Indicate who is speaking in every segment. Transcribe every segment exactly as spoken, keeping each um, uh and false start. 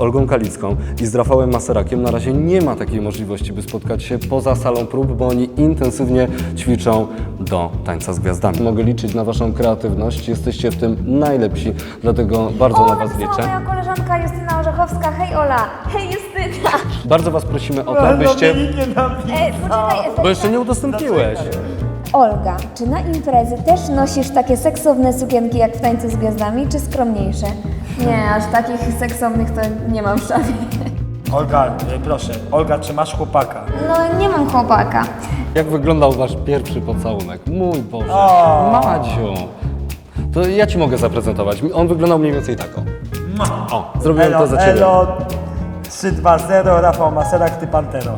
Speaker 1: Olgą Kalicką i z Rafałem Maserakiem na razie nie ma takiej możliwości, by spotkać się poza salą prób, bo oni intensywnie ćwiczą do Tańca z Gwiazdami. Mogę liczyć na Waszą kreatywność, jesteście w tym najlepsi, dlatego bardzo
Speaker 2: O,
Speaker 1: na Was
Speaker 2: napisała
Speaker 1: liczę.
Speaker 2: moja koleżanka Justyna Orzechowska. Hej Ola, hej Justyna.
Speaker 1: Bardzo Was prosimy o to, abyście...
Speaker 2: E, poczekaj,
Speaker 1: Bo jeszcze nie udostępniłeś.
Speaker 2: Olga, czy na imprezy też nosisz takie seksowne sukienki jak w Tańcu z Gwiazdami, czy skromniejsze? Nie, aż takich seksownych to nie mam w szafie.
Speaker 3: Olga, e, proszę, Olga, czy masz chłopaka?
Speaker 2: No, nie mam chłopaka.
Speaker 1: Jak wyglądał Wasz pierwszy pocałunek? Mój Boże,
Speaker 3: O.
Speaker 1: Madziu. To ja Ci mogę zaprezentować. On wyglądał mniej więcej tak, o. O, zrobiłem to za Ciebie.
Speaker 3: Elo, trzy dwa zero, Rafał Maserak, ty Pantero.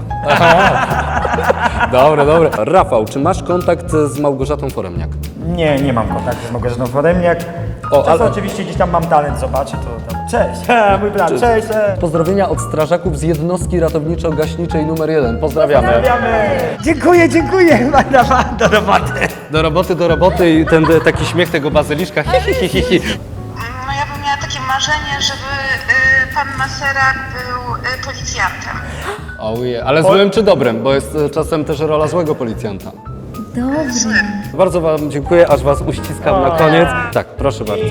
Speaker 1: Dobre, dobre. Rafał, czy masz kontakt z Małgorzatą Foremniak?
Speaker 3: Nie, nie mam kontaktu z Małgorzatą Foremniak.
Speaker 1: O,
Speaker 3: Czasem
Speaker 1: ale-
Speaker 3: oczywiście gdzieś tam mam talent, zobaczę, to tam... Cześć, mój brat, cześć. cześć.
Speaker 1: Pozdrowienia od strażaków z jednostki ratowniczo-gaśniczej numer jeden. Pozdrawiamy.
Speaker 3: Pozdrawiamy. Dziękuję, dziękuję, Magda, do roboty.
Speaker 1: Do roboty, do roboty i ten e, taki śmiech tego bazyliszka. Hi, hi, hi, hi, hi.
Speaker 4: No ja bym miała takie marzenie, żeby y, pan Maserak był y, policjantem.
Speaker 1: Ojej, ale złym czy dobrym? Bo jest e, czasem też rola złego policjanta.
Speaker 2: Dobrze.
Speaker 1: Bardzo Wam dziękuję, aż Was uściskam na koniec. Tak, proszę bardzo.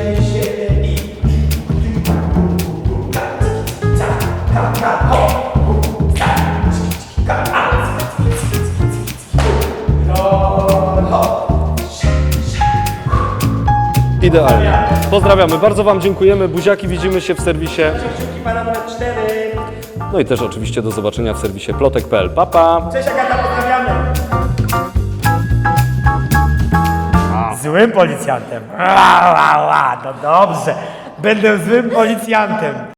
Speaker 1: Idealnie. Pozdrawiamy, bardzo Wam dziękujemy. Buziaki, widzimy się w serwisie. No i też oczywiście do zobaczenia w serwisie plotek kropka p l. Pa, pa!
Speaker 3: Cześć Agata, pozdrawiamy. Złym policjantem. A, a, a, no dobrze, będę złym policjantem.